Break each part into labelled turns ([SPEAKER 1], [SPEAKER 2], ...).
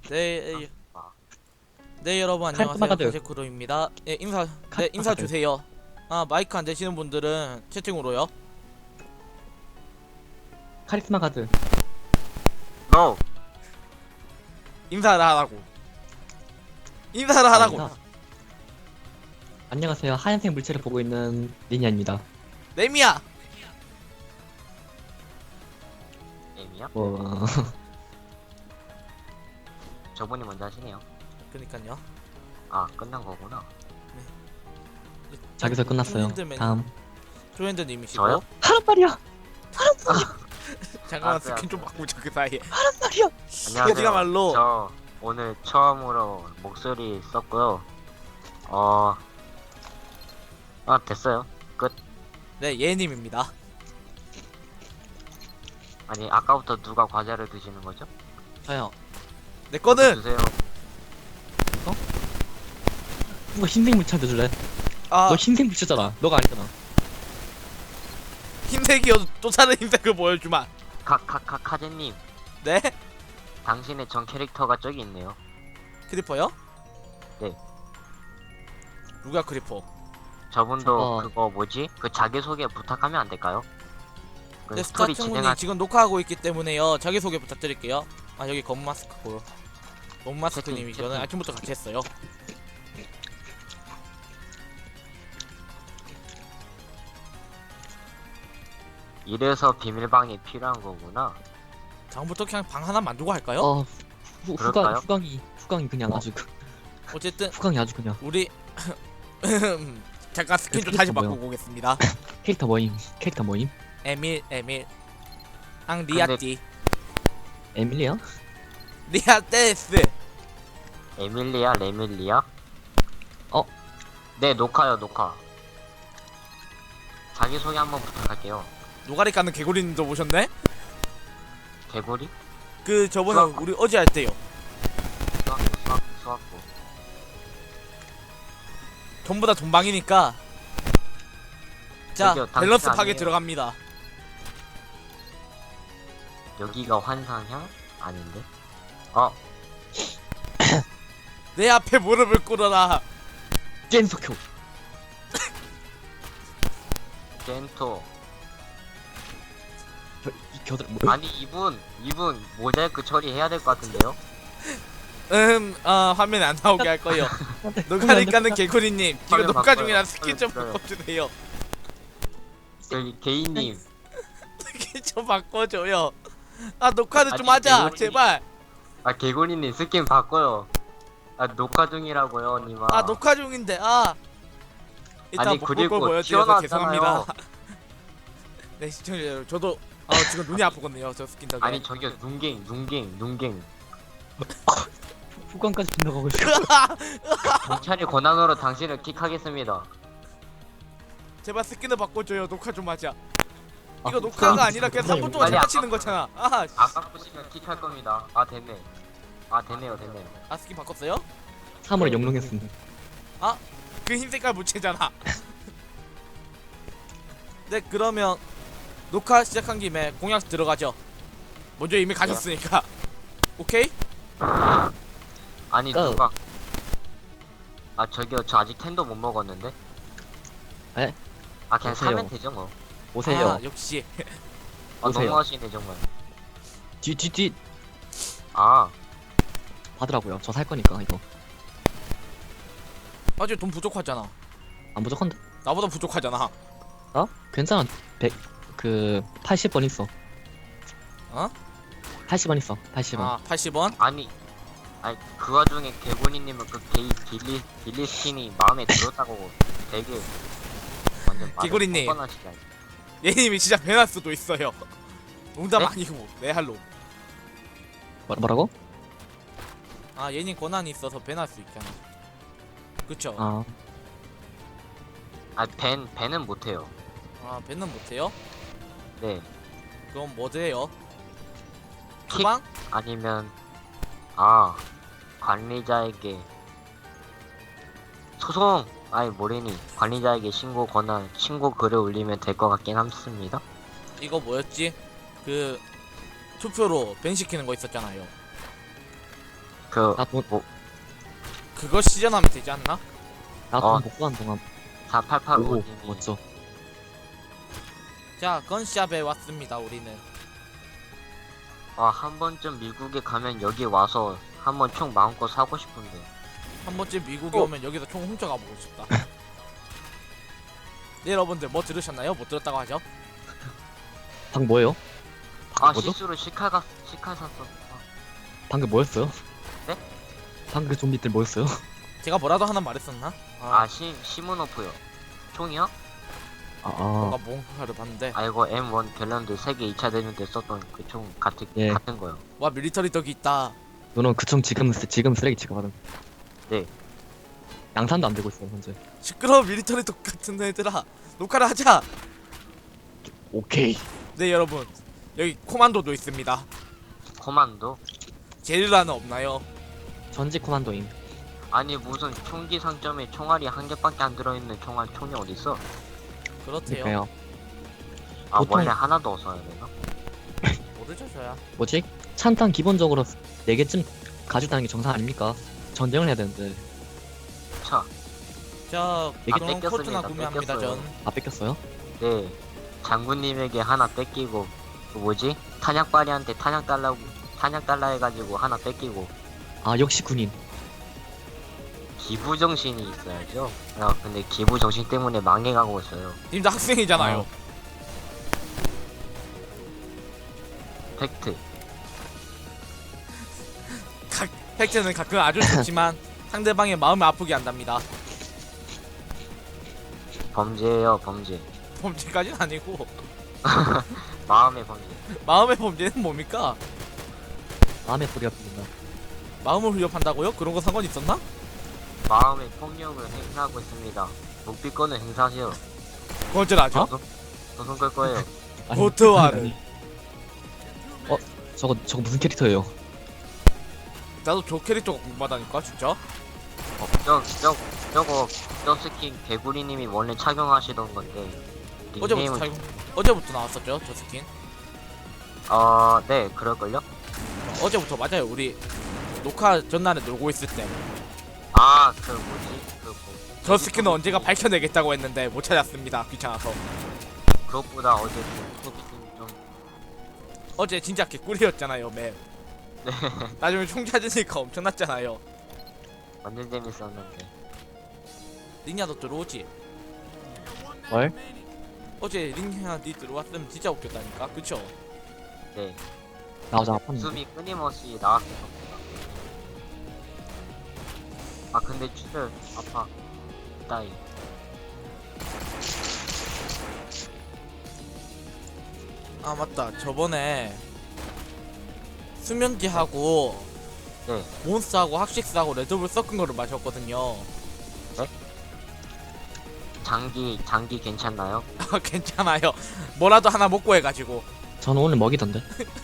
[SPEAKER 1] 네,
[SPEAKER 2] 아,
[SPEAKER 1] 네 여러분 안녕하세요.
[SPEAKER 3] 카리스마가드.
[SPEAKER 1] 가제크로입니다. 네 인사
[SPEAKER 3] 카리스마가드.
[SPEAKER 1] 주세요. 아 마이크 안 되시는 분들은 채팅으로요.
[SPEAKER 3] 카리스마 가드.
[SPEAKER 2] NO!
[SPEAKER 1] 인사를 하라고. 인사를 하라고.
[SPEAKER 3] 아니다. 안녕하세요. 하얀색 물체를 보고 있는 리니아입니다.
[SPEAKER 1] 레미야.
[SPEAKER 2] 에미야?
[SPEAKER 3] 뭐
[SPEAKER 2] 저분이 먼저 하시네요.
[SPEAKER 1] 그니까요.
[SPEAKER 2] 아, 끝난 거구나.
[SPEAKER 3] 자기서 끝났어요. 다음.
[SPEAKER 1] 조현드님이시고.
[SPEAKER 2] 저요?
[SPEAKER 3] 하란 말이야.
[SPEAKER 1] 잠깐만
[SPEAKER 2] 알았어요,
[SPEAKER 1] 스킨 좀 바꾸자 그 사이에.
[SPEAKER 3] 하란 말이야.
[SPEAKER 2] 안녕하세요.
[SPEAKER 1] 어디가말로.
[SPEAKER 2] 저 오늘 처음으로 목소리 썼고요. 됐어요. 끝.
[SPEAKER 1] 네 예님입니다.
[SPEAKER 2] 아니, 아까부터 누가 과자를 드시는 거죠?
[SPEAKER 3] 저요.
[SPEAKER 1] 내 거는
[SPEAKER 2] 드세요.
[SPEAKER 3] 누가 흰색 물체한테 줄래?
[SPEAKER 1] 아
[SPEAKER 3] 너 흰색 물체잖아. 너가 아니잖아.
[SPEAKER 1] 흰색이어도 또 다른 흰색을 보여주마.
[SPEAKER 2] 카제님,
[SPEAKER 1] 네
[SPEAKER 2] 당신의 전 캐릭터가 저기 있네요.
[SPEAKER 1] 크리퍼요?
[SPEAKER 2] 네.
[SPEAKER 1] 누가 크리퍼?
[SPEAKER 2] 저분도
[SPEAKER 3] 저거-
[SPEAKER 2] 그거 뭐지? 그 자기소개 부탁하면 안 될까요? 그
[SPEAKER 1] 네
[SPEAKER 2] 스토리
[SPEAKER 1] 스타충분이
[SPEAKER 2] 진행할
[SPEAKER 1] 지금 녹화하고 있기 때문에요. 자기소개 부탁드릴게요. 아 여기 검마스크고. 검마스크님이
[SPEAKER 2] 채팅,
[SPEAKER 1] 저는
[SPEAKER 2] 채팅.
[SPEAKER 1] 아침부터 같이 했어요.
[SPEAKER 2] 이래서 비밀방이 필요한 거구나.
[SPEAKER 1] 다음부터 그냥 방 하나 만들고 할까요?
[SPEAKER 2] 그럴까요?
[SPEAKER 3] 후광이 그냥 아주
[SPEAKER 1] 어쨌든
[SPEAKER 3] 후광이 아주 그냥
[SPEAKER 1] 우리 잠깐 스킨 좀
[SPEAKER 3] 그
[SPEAKER 1] 다시
[SPEAKER 3] 캐릭터 뭐요?
[SPEAKER 1] 바꾸고 오겠습니다.
[SPEAKER 3] 캐릭터 모임.
[SPEAKER 1] 에밀 리아띠
[SPEAKER 3] 에밀리야?
[SPEAKER 1] 리아테스.
[SPEAKER 2] 에밀리아, 레밀리아?
[SPEAKER 3] 어?
[SPEAKER 2] 네, 녹화. 자기소개 한번 부탁할게요.
[SPEAKER 1] 노가리 까는 개구리님도 오셨네?
[SPEAKER 2] 개구리?
[SPEAKER 1] 그 저번에
[SPEAKER 2] 수학.
[SPEAKER 1] 우리 어제 할 때요.
[SPEAKER 2] 수학고.
[SPEAKER 1] 전부 다 돈방이니까 자
[SPEAKER 2] 저기요, 당신
[SPEAKER 1] 밸런스 파괴
[SPEAKER 2] 아니에요.
[SPEAKER 1] 들어갑니다.
[SPEAKER 2] 여기가 환상향? 아닌데?
[SPEAKER 1] 내 앞에 무릎을 꿇어라.
[SPEAKER 3] 젠소쿄.
[SPEAKER 2] 젠토.
[SPEAKER 3] 이 겨들 뭐?
[SPEAKER 2] 아니, 이분 모자이크 처리해야 될 것 같은데요?
[SPEAKER 1] 화면에 안 나오게 할 거예요. 노가리 까는 개구리님 지금
[SPEAKER 2] 화면
[SPEAKER 1] 녹화
[SPEAKER 2] 바꿔요.
[SPEAKER 1] 중이라 스킨 좀
[SPEAKER 2] 화면
[SPEAKER 1] 바꿔주세요.
[SPEAKER 2] 저기 개인님.
[SPEAKER 1] 스킨 좀 바꿔줘요. 아 녹화를 좀
[SPEAKER 2] 아니,
[SPEAKER 1] 하자
[SPEAKER 2] 개구리.
[SPEAKER 1] 제발.
[SPEAKER 2] 개구리님 스킨 바꿔요. 녹화 중이라고요, 님아.
[SPEAKER 1] 아 녹화 중인데 일단
[SPEAKER 2] 아니,
[SPEAKER 1] 못 볼
[SPEAKER 2] 그리고
[SPEAKER 1] 걸 보여드려서
[SPEAKER 2] 튀어나왔잖아요.
[SPEAKER 1] 죄송합니다. 네 시청자 여러분 저도 지금 눈이 아프거든요 저 스킨 덕에.
[SPEAKER 2] 아니, 저기요, 눈갱.
[SPEAKER 3] 후광까지 빗나가고 있어.
[SPEAKER 2] 경찰의 권한으로 당신을 킥하겠습니다.
[SPEAKER 1] 제발 스킨을 바꿔줘요. 녹화 좀 하자.
[SPEAKER 3] 아,
[SPEAKER 1] 이거 녹화가 아니라 그냥
[SPEAKER 3] 그래요.
[SPEAKER 1] 3분 동안
[SPEAKER 2] 아니,
[SPEAKER 1] 장난치는 거잖아.
[SPEAKER 2] 아까 보시면 킥할 겁니다. 됐네. 됐네요.
[SPEAKER 1] 스킨 바꿨어요?
[SPEAKER 3] 3월에 영롱했습니다.
[SPEAKER 1] 그 흰 색깔 무채잖아. 네 그러면 녹화 시작한 김에 공약 들어가죠. 먼저 이미 가셨으니까. 오케이?
[SPEAKER 2] 아니,
[SPEAKER 3] 고.
[SPEAKER 2] 누가. 저기요, 저 아직 텐도 못 먹었는데?
[SPEAKER 3] 에?
[SPEAKER 2] 그냥
[SPEAKER 3] 오세요.
[SPEAKER 2] 사면 되죠, 뭐.
[SPEAKER 3] 오세요.
[SPEAKER 1] 역시
[SPEAKER 3] 오세요.
[SPEAKER 2] 너무하시네, 정말.
[SPEAKER 3] 뒤
[SPEAKER 2] 아,
[SPEAKER 3] 받으라고요. 저 살 거니까 이거.
[SPEAKER 1] 아직 돈 부족하잖아.
[SPEAKER 3] 안 부족한데?
[SPEAKER 1] 나보다 부족하잖아.
[SPEAKER 3] 괜찮아. 80번 있어.
[SPEAKER 1] 어?
[SPEAKER 3] 80원 있어. 80원.
[SPEAKER 1] 80원?
[SPEAKER 2] 아니, 그 와중에 개구리님은 그 빌리 스킨이 마음에 들었다고 되게 완전 말을
[SPEAKER 1] 개구리님.
[SPEAKER 2] 뻔뻔하시잖아요.
[SPEAKER 1] 얘님이 진짜 배날 수도 있어요. 농담
[SPEAKER 2] 네?
[SPEAKER 1] 아니고 레알로.
[SPEAKER 3] 뭐라고?
[SPEAKER 1] 얘님 권한이 있어서 배날 수 있잖아. 그쵸?
[SPEAKER 2] 밴은 못해요.
[SPEAKER 1] 배는 못해요?
[SPEAKER 2] 네.
[SPEAKER 1] 그럼 뭐 돼요?
[SPEAKER 2] 킥?
[SPEAKER 1] 주방?
[SPEAKER 2] 아니면 관리자에게 소송 뭐래니 관리자에게 신고 글을 올리면 될 것 같긴 합니다.
[SPEAKER 1] 이거 뭐였지? 그 투표로 밴 시키는 거 있었잖아요.
[SPEAKER 2] 그
[SPEAKER 3] 나돈
[SPEAKER 2] 뭐,
[SPEAKER 1] 그거 시전하면 되지 않나?
[SPEAKER 3] 나돈
[SPEAKER 2] 어.
[SPEAKER 3] 복구한 동안
[SPEAKER 2] 4885
[SPEAKER 3] 오고
[SPEAKER 2] 님이
[SPEAKER 3] 멋져.
[SPEAKER 1] 자, 건샵에 왔습니다. 우리는.
[SPEAKER 2] 한 번쯤 미국에 가면 여기 와서 한번 총 마음껏 사고 싶은데.
[SPEAKER 1] 한 번쯤 미국에 오면 여기서 총 훔쳐가 보고 싶다. 네, 여러분들 뭐 들으셨나요? 못 들었다고 하죠?
[SPEAKER 3] 방금 뭐예요? 방금 뭐죠?
[SPEAKER 2] 실수로 시칼 샀어.
[SPEAKER 3] 방금 뭐였어요?
[SPEAKER 2] 네?
[SPEAKER 3] 방금 그 좀비들 뭐였어요?
[SPEAKER 1] 제가 뭐라도 하나 말했었나?
[SPEAKER 2] 시무노프요. 총이요?
[SPEAKER 1] 뭔가 뭔가를 봤는데.
[SPEAKER 2] 이거 M1 갤런드 세계 2차 대전 때 썼던 그 총
[SPEAKER 3] 예.
[SPEAKER 2] 같은 거요.
[SPEAKER 1] 와, 밀리터리 덕이 있다.
[SPEAKER 3] 너는 그총 지금 쓰레기 취급하는.
[SPEAKER 2] 네.
[SPEAKER 3] 양산도 안 되고 있어요 현재.
[SPEAKER 1] 시끄러워, 밀리터리 덕 같은 애들아. 녹화를 하자.
[SPEAKER 3] 오케이.
[SPEAKER 1] 네, 여러분. 여기 코만도도 있습니다.
[SPEAKER 2] 코만도?
[SPEAKER 1] 게릴라는 없나요?
[SPEAKER 3] 전직 코만도임.
[SPEAKER 2] 아니 무슨 총기 상점에 총알이 한 개밖에 안 들어있는 총이 어딨어?
[SPEAKER 1] 그렇대요.
[SPEAKER 3] 그러니까요. 보통-
[SPEAKER 2] 원래 하나도 없어야 되나?
[SPEAKER 1] 모르죠, 저야.
[SPEAKER 3] 뭐지? 찬탄 기본적으로 4개쯤 가져다는 게 정상 아닙니까? 전쟁을 해야 되는데.
[SPEAKER 2] 차.
[SPEAKER 1] 자,
[SPEAKER 3] 이게
[SPEAKER 1] 그런
[SPEAKER 2] 뺏겼습니다.
[SPEAKER 1] 코트나 구매합니다,
[SPEAKER 2] 뺏겼어요.
[SPEAKER 1] 전.
[SPEAKER 3] 아 뺏겼어요?
[SPEAKER 2] 네. 장군님에게 하나 뺏기고 그 뭐지? 탄약발이한테 탄약 달라 해가지고 하나 뺏기고
[SPEAKER 3] 아 역시 군인.
[SPEAKER 2] 기부 정신이 있어야죠. 야 근데 기부 정신 때문에 망해가고 있어요.
[SPEAKER 1] 님도 학생이잖아요.
[SPEAKER 2] 팩트.
[SPEAKER 1] 팩트는 가끔 아주 좋지만 상대방의 마음을 아프게 한답니다.
[SPEAKER 2] 범죄예요, 범죄.
[SPEAKER 1] 범죄까지는 아니고
[SPEAKER 2] 마음의 범죄.
[SPEAKER 1] 마음의 범죄는 뭡니까?
[SPEAKER 3] 마음의 소리가 들린다.
[SPEAKER 1] 마음을 훈련한다고요? 그런 거 상관 있었나?
[SPEAKER 2] 마음의 폭력을 행사하고 있습니다. 묵비권을 행사하세요.
[SPEAKER 1] 그건 줄 아죠?
[SPEAKER 2] 소송 끌 거예요.
[SPEAKER 3] 아니,
[SPEAKER 1] 고트와르.
[SPEAKER 3] 아니. 저거 무슨 캐릭터예요?
[SPEAKER 1] 나도 저 캐릭터가 궁금하다니까 진짜.
[SPEAKER 2] 저 스킨 개구리님이 원래 착용하시던 건데 닉네임은
[SPEAKER 1] 어제부터 나왔었죠, 저 스킨.
[SPEAKER 2] 네 그럴걸요?
[SPEAKER 1] 어제부터 맞아요. 우리 녹화 전날에 놀고 있을 때
[SPEAKER 2] 그 뭐지?
[SPEAKER 1] 저 스킨은 언제가 밝혀내겠다고 했는데 못 찾았습니다. 귀찮아서.
[SPEAKER 2] 그것보다 어제 소비님 좀
[SPEAKER 1] 어제 진짜 개꿀이었잖아요, 맵.
[SPEAKER 2] 네.
[SPEAKER 1] 나중에 총 찾으니까 엄청났잖아요.
[SPEAKER 2] 완전 재밌었는데.
[SPEAKER 1] 링야도 들어오지?
[SPEAKER 3] 뭘?
[SPEAKER 1] 어제 링야 니 들어왔으면 진짜 웃겼다니까, 그쵸?
[SPEAKER 2] 네.
[SPEAKER 3] 나오자 아팠는데.
[SPEAKER 2] 숨이 끊임없이 나왔었습니다. 근데 출혈 아파. 따이.
[SPEAKER 1] 아 맞다, 저번에 수면기하고
[SPEAKER 2] 네.
[SPEAKER 1] 몬스터하고 학식스하고 레드불 섞은 거를 마셨거든요.
[SPEAKER 2] 장기 괜찮나요?
[SPEAKER 1] 괜찮아요. 뭐라도 하나 먹고 해가지고.
[SPEAKER 3] 저는 오늘 먹이던데.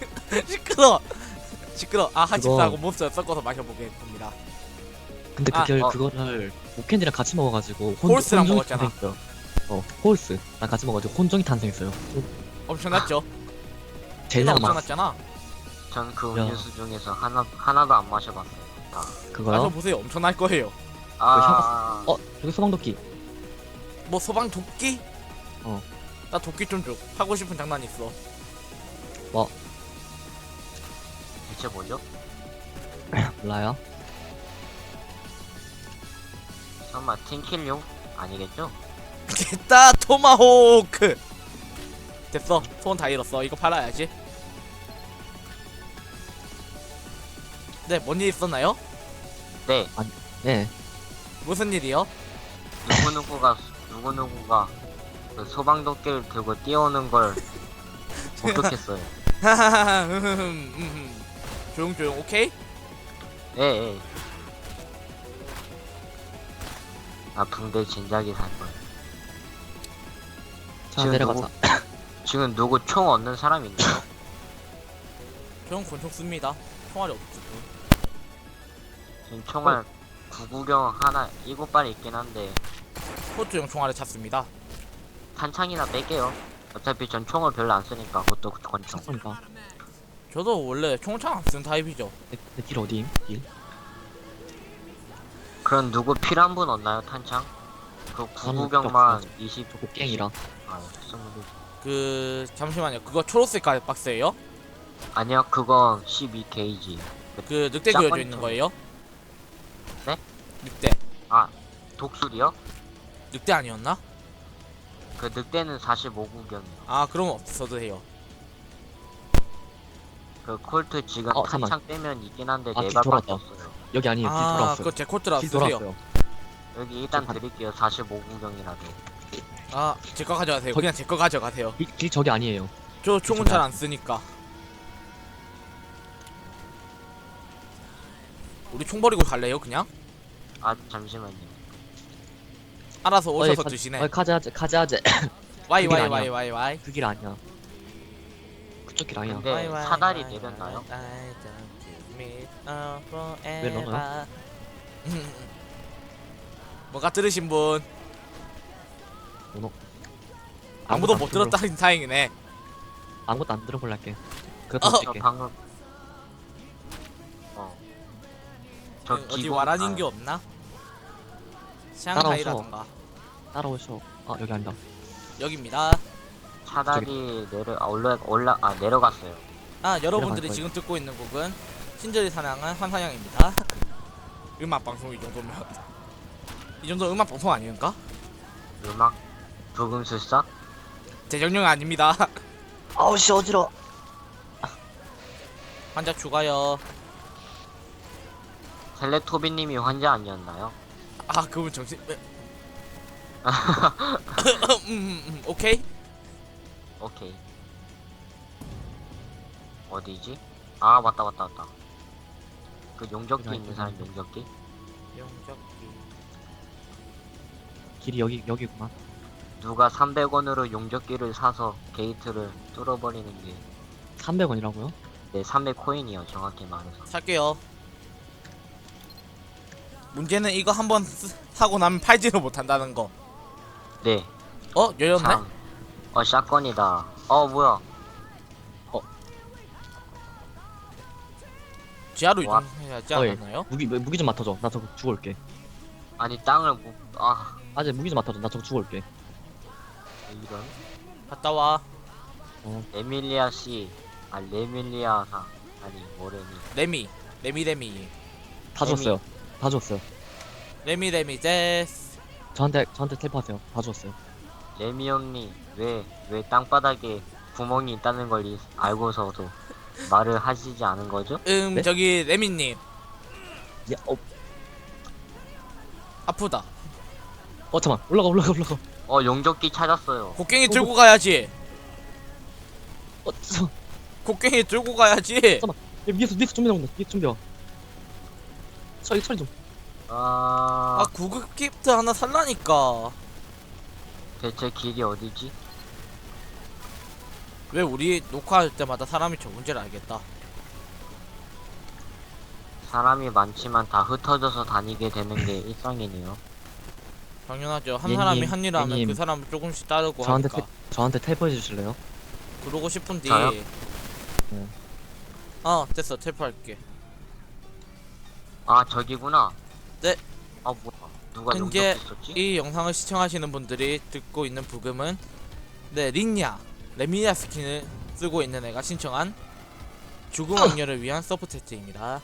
[SPEAKER 1] 시끄러. 학식스하고 몬스터 섞어서 마셔보겠습니다.
[SPEAKER 3] 근데 그거를 오캔디랑 같이 먹어가지고
[SPEAKER 1] 홀스랑
[SPEAKER 3] 혼종이
[SPEAKER 1] 먹었잖아.
[SPEAKER 3] 탄생했어요. 홀스랑 같이 먹어가지고 혼종이 탄생했어요.
[SPEAKER 1] 엄청났죠?
[SPEAKER 3] 제일 많았어.
[SPEAKER 1] 엄청났잖아.
[SPEAKER 2] 전 그
[SPEAKER 3] 야.
[SPEAKER 2] 음료수 중에서 하나도 안 마셔봤어요.
[SPEAKER 3] 그거요?
[SPEAKER 1] 마셔보세요. 엄청날 거예요.
[SPEAKER 3] 여기 소방도끼.
[SPEAKER 1] 뭐 소방 도끼?
[SPEAKER 3] 어.
[SPEAKER 1] 나 도끼 좀 줘. 하고 싶은 장난 있어.
[SPEAKER 2] 대체 뭐죠?
[SPEAKER 3] 몰라요?
[SPEAKER 2] 설마 팀킬용? 아니겠죠?
[SPEAKER 1] 됐다, 토마호크. 됐어. 소원 다 잃었어. 이거 팔아야지. 네, 뭔 일 있었나요?
[SPEAKER 2] 네.
[SPEAKER 3] 네.
[SPEAKER 1] 무슨 일이요?
[SPEAKER 2] 누구누구가 그 소방도끼를 들고 뛰어오는 걸 목격했어요.
[SPEAKER 1] 하하하. 조용. 오케이?
[SPEAKER 2] 예. 붕대 진작에 살 거야.
[SPEAKER 3] 자 내려가자.
[SPEAKER 2] 지금 누구 총 얻는 사람 있나요?
[SPEAKER 1] 저는 권총 씁니다. 총알이 없지.
[SPEAKER 2] 지금 총알 구구경 하나 7발 있긴 한데
[SPEAKER 1] 포트용 총알을 찾습니다.
[SPEAKER 2] 탄창이나 뺄게요. 어차피 전 총을 별로 안 쓰니까 그것도 권총.
[SPEAKER 3] 쳤습니다.
[SPEAKER 1] 저도 원래 총창 안 쓰는 타입이죠.
[SPEAKER 3] 내 딜 어디임? 딜?
[SPEAKER 2] 그럼 누구 필요한 분 없나요, 탄창? 그
[SPEAKER 3] 저는
[SPEAKER 2] 구구경만
[SPEAKER 3] 필요
[SPEAKER 2] 20.
[SPEAKER 3] 저 곡괭이라.
[SPEAKER 2] 아, 20.
[SPEAKER 1] 그 잠시만요. 그거 초록색 박스예요?
[SPEAKER 2] 아니요, 그건 12게이지.
[SPEAKER 1] 그 늑대
[SPEAKER 2] 짝꿍
[SPEAKER 1] 그려져 있는 거예요?
[SPEAKER 2] 네?
[SPEAKER 1] 늑대.
[SPEAKER 2] 아, 독수리요?
[SPEAKER 1] 늑대 아니었나?
[SPEAKER 2] 그 늑대는 45구경이요.
[SPEAKER 1] 아 그럼 없어도 해요.
[SPEAKER 2] 그 콜트 지금
[SPEAKER 3] 잠깐만.
[SPEAKER 2] 탄창 빼면 있긴 한데
[SPEAKER 3] 아,
[SPEAKER 2] 네
[SPEAKER 3] 뒤
[SPEAKER 2] 발밖에
[SPEAKER 3] 돌았다.
[SPEAKER 2] 없어요.
[SPEAKER 3] 여기 아니에요. 길
[SPEAKER 1] 아
[SPEAKER 3] 돌아왔어요.
[SPEAKER 1] 그거 제 콜트라
[SPEAKER 3] 길
[SPEAKER 1] 쓰세요.
[SPEAKER 3] 돌아왔어요.
[SPEAKER 2] 여기 일단
[SPEAKER 3] 저
[SPEAKER 2] 드릴게요. 45구경이라도.
[SPEAKER 1] 아 제 거 가져가세요.
[SPEAKER 3] 거기-
[SPEAKER 1] 그냥 제 거 가져가세요.
[SPEAKER 3] 길 저기 아니에요.
[SPEAKER 1] 저 총은
[SPEAKER 3] 저기
[SPEAKER 1] 잘 안 쓰니까. 우리 총 버리고 갈래요 그냥?
[SPEAKER 2] 아, 잠시만요.
[SPEAKER 1] 알아서 오셔서
[SPEAKER 3] 가-
[SPEAKER 1] 드시네.
[SPEAKER 3] 가자하제.
[SPEAKER 1] 와이
[SPEAKER 3] 그게
[SPEAKER 1] 와이
[SPEAKER 3] 아니야.
[SPEAKER 1] 와이 와이 와이.
[SPEAKER 3] 그 길 아니야. 그쪽 길 아니야.
[SPEAKER 2] 근데 사다리 내렸나요?
[SPEAKER 3] 왜 넘어요?
[SPEAKER 1] 뭔가 들으신 분
[SPEAKER 3] 번호.
[SPEAKER 1] 아무도 못 들었다니 다행이네.
[SPEAKER 3] 아무것도 안 들어볼라 할게.
[SPEAKER 1] 어.
[SPEAKER 3] 그것도
[SPEAKER 2] 저
[SPEAKER 3] 찍게.
[SPEAKER 2] 방금 저
[SPEAKER 1] 어디
[SPEAKER 2] 기본-
[SPEAKER 1] 와라닌 게
[SPEAKER 2] 아,
[SPEAKER 1] 없나? 샹하이라던가
[SPEAKER 3] 따라오셔. 아 여기 아니다.
[SPEAKER 1] 여기입니다.
[SPEAKER 2] 사다리 내려갔어요.
[SPEAKER 1] 아 여러분들이
[SPEAKER 3] 거예요.
[SPEAKER 1] 지금 듣고 있는 곡은 신절이 사냥한 환사냥입니다. 음악 방송 이 정도면 이 정도 음악 방송 아닌가?
[SPEAKER 2] 음악 부금술사?
[SPEAKER 1] 재정령 아닙니다.
[SPEAKER 3] 아우 씨 어지러.
[SPEAKER 1] 환자 추가요.
[SPEAKER 2] 텔레토비님이 환자 아니었나요?
[SPEAKER 1] 아 그분 정신. 오케이.
[SPEAKER 2] 오케이. 어디지? 아, 맞다. 그 용접기
[SPEAKER 3] 여기
[SPEAKER 2] 있는 사람 용접기?
[SPEAKER 1] 용접기.
[SPEAKER 3] 길이 여기구만.
[SPEAKER 2] 누가 300원으로 용접기를 사서 게이트를 뚫어버리는 게
[SPEAKER 3] 300원이라고요?
[SPEAKER 2] 네, 300코인이요, 정확히 말해서.
[SPEAKER 1] 살게요. 문제는 이거 한번 사고 나면 팔지를 못한다는 거.
[SPEAKER 2] 네.
[SPEAKER 1] 열렸네?
[SPEAKER 2] 참. 샷건이다. 뭐야.
[SPEAKER 1] 지하로
[SPEAKER 2] 와.
[SPEAKER 1] 이동해야지
[SPEAKER 3] 어이.
[SPEAKER 1] 않았나요?
[SPEAKER 3] 무기 좀 맡아줘. 나 저거 죽어올게.
[SPEAKER 2] 아니, 땅을 못,
[SPEAKER 3] 아재 무기 좀 맡아줘. 나 저거 죽어올게.
[SPEAKER 2] 이런.
[SPEAKER 1] 갔다 와.
[SPEAKER 2] 레밀리아 씨. 레밀리아사. 아니, 뭐래니.
[SPEAKER 1] 레미
[SPEAKER 3] 다 줬어요. 다 줬어요.
[SPEAKER 1] 레미 제스.
[SPEAKER 3] 저한테 텔파하세요. 다 줬어요.
[SPEAKER 2] 레미 형님, 왜 땅바닥에 구멍이 있다는 걸 알고서도 말을 하시지 않은 거죠?
[SPEAKER 3] 네?
[SPEAKER 1] 저기 레미님
[SPEAKER 3] 야,
[SPEAKER 1] 아프다.
[SPEAKER 3] 잠만. 올라가.
[SPEAKER 2] 용접기 찾았어요.
[SPEAKER 1] 곡괭이 들고 가야지.
[SPEAKER 3] 저,
[SPEAKER 1] 곡괭이 들고 가야지.
[SPEAKER 3] 위에서 좀비 나온다. 위에서 좀비 와. 처리 좀.
[SPEAKER 1] 아 구급 기프트 하나 살라니까.
[SPEAKER 2] 대체 길이 어디지?
[SPEAKER 1] 왜 우리 녹화할 때마다 사람이 적은지를 알겠다.
[SPEAKER 2] 사람이 많지만 다 흩어져서 다니게 되는 게 일상이네요.
[SPEAKER 1] 당연하죠. 한
[SPEAKER 3] 얘님,
[SPEAKER 1] 사람이 한 일을 하면
[SPEAKER 3] 얘님.
[SPEAKER 1] 그 사람을 조금씩 따르고
[SPEAKER 3] 저한테
[SPEAKER 1] 하니까.
[SPEAKER 3] 저한테 텔포해 주실래요?
[SPEAKER 1] 그러고 싶은데.
[SPEAKER 2] 저요?
[SPEAKER 3] 네.
[SPEAKER 1] 됐어. 텔프할게.
[SPEAKER 2] 저기구나.
[SPEAKER 1] 네.
[SPEAKER 2] 뭐야. 누가
[SPEAKER 1] 현재
[SPEAKER 2] 용접기 썼지?
[SPEAKER 1] 이 영상을 시청하시는 분들이 듣고 있는 부금은 레미니아 스킨을 쓰고 있는 애가 신청한 죽음 왕녀를 위한 서포테트입니다.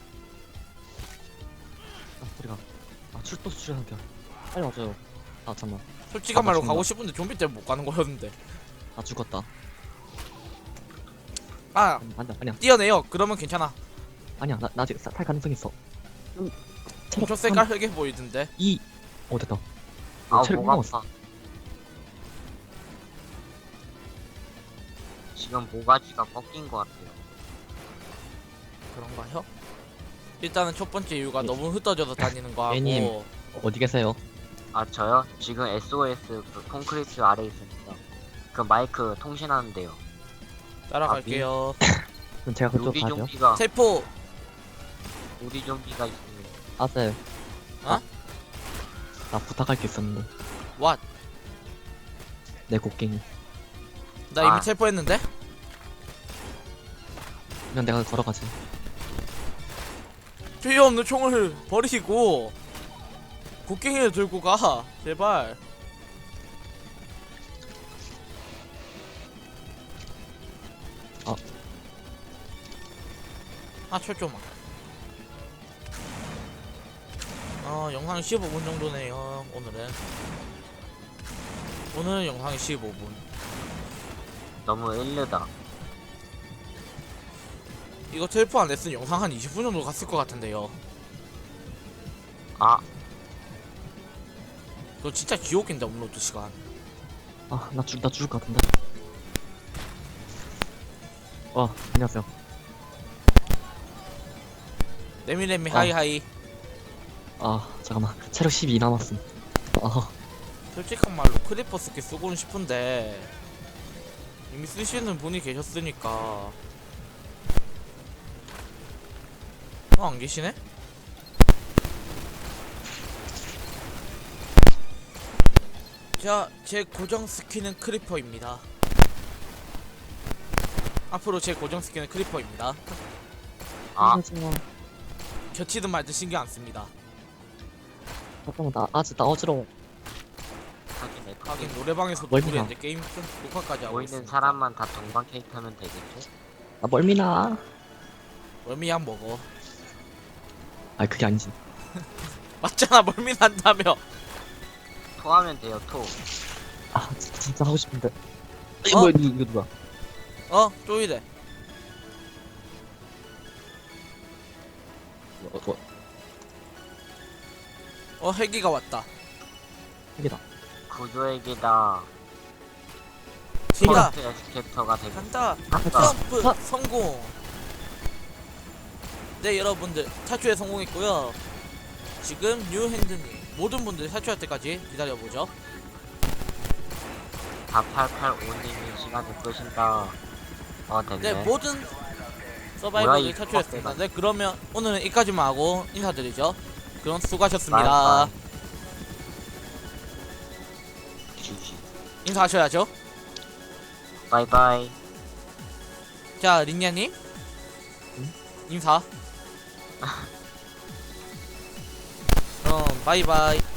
[SPEAKER 3] 소리가. 출혈한테. 빨리 와줘요. 잠만.
[SPEAKER 1] 솔직한 말로
[SPEAKER 3] 죽는다.
[SPEAKER 1] 가고 싶은데 좀비 때문에 못 가는 거였는데.
[SPEAKER 3] 죽었다. 아니야.
[SPEAKER 1] 뛰어내요. 그러면 괜찮아.
[SPEAKER 3] 아니야. 나 아직 탈 가능성 있어.
[SPEAKER 1] 엄청 색깔하게 보이던데.
[SPEAKER 3] 됐다. 체력
[SPEAKER 2] 뭐가
[SPEAKER 3] 남았어.
[SPEAKER 2] 아파. 지금 모가지가 꺾인 것 같아요.
[SPEAKER 1] 그런가요? 일단은 첫 번째 이유가 너무 흩어져서 다니는 거
[SPEAKER 3] 애님.
[SPEAKER 1] 하고.
[SPEAKER 3] 어디 계세요?
[SPEAKER 2] 저요? 지금 SOS 그 콘크리트 아래에 있습니다. 그 마이크 통신하는데요.
[SPEAKER 1] 따라갈게요.
[SPEAKER 3] 그럼 제가 그쪽
[SPEAKER 2] 우리
[SPEAKER 3] 가죠.
[SPEAKER 2] 좀비가
[SPEAKER 1] 세포.
[SPEAKER 2] 우리 좀비가 있습니다.
[SPEAKER 3] 아재.
[SPEAKER 1] 어?
[SPEAKER 3] 나 부탁할 게 있었는데.
[SPEAKER 1] 왓.
[SPEAKER 3] 내 곡괭이.
[SPEAKER 1] 나 이미
[SPEAKER 2] 아.
[SPEAKER 1] 체포했는데?
[SPEAKER 3] 그냥 내가 걸어가지.
[SPEAKER 1] 필요 없는 총을 버리고 곡괭이를 들고 가 제발. 철조망. 영상 15분 정도네요. 오늘은 영상이 15분.
[SPEAKER 2] 너무 일르다.
[SPEAKER 1] 이거 텔포 안 했으면 영상 한 20분 정도 갔을 것 같은데요.
[SPEAKER 2] 아,
[SPEAKER 1] 그거 진짜 지옥인데 업로드 시간.
[SPEAKER 3] 나 죽을 것 같은데. 안녕하세요.
[SPEAKER 1] 레미레미 하이하이.
[SPEAKER 3] 잠깐만. 체력 12 남았음.
[SPEAKER 1] 솔직한 말로 크리퍼 스킬 쓰고는 싶은데 이미 쓰시는 분이 계셨으니까. 안 계시네? 자, 제 고정 스킬은 크리퍼입니다. 앞으로 제 고정 스킬은 크리퍼입니다.
[SPEAKER 2] 아,
[SPEAKER 1] 겹치든 말든 신경 안 씁니다.
[SPEAKER 3] 잠깐만, 나 어지러워.
[SPEAKER 2] 하긴 내
[SPEAKER 1] 하긴 노래방에서도
[SPEAKER 3] 멀미나.
[SPEAKER 1] 우리 이제 게임 녹화까지 하고
[SPEAKER 2] 보이는
[SPEAKER 1] 있으니까.
[SPEAKER 2] 사람만 다 동방 캐릭터면 되겠지?
[SPEAKER 3] 나 멀미나.
[SPEAKER 1] 멀미약 먹어.
[SPEAKER 3] 그게 아니지.
[SPEAKER 1] 맞잖아, 멀미 난다며.
[SPEAKER 2] 토하면 돼요, 토.
[SPEAKER 3] 진짜 하고 싶은데.
[SPEAKER 1] 어?
[SPEAKER 3] 뭐야, 이거 누가?
[SPEAKER 1] 쪼이래. 헬기가 왔다.
[SPEAKER 3] 여기다.
[SPEAKER 2] 구조액이다.
[SPEAKER 1] 진다.
[SPEAKER 2] 에스케이터가 되겠다.
[SPEAKER 1] 간다.
[SPEAKER 2] 갔다.
[SPEAKER 1] 점프 성공. 네, 여러분들 탈출에 성공했고요. 지금 뉴핸드님 모든 분들 탈출할 때까지 기다려보죠.
[SPEAKER 2] 4885님이 시간을 끄신다. 됐네.
[SPEAKER 1] 네, 모든
[SPEAKER 2] 뭐야,
[SPEAKER 1] 서바이벌을
[SPEAKER 2] 이
[SPEAKER 1] 탈출했습니다.
[SPEAKER 2] 빡대가.
[SPEAKER 1] 네, 그러면 오늘은 여기까지만 하고 인사드리죠. 그럼 수고하셨습니다.
[SPEAKER 2] 바이바이. GG.
[SPEAKER 1] 인사하셔야죠.
[SPEAKER 2] 바이바이.
[SPEAKER 1] 자, 린냐님 인사. 바이바이.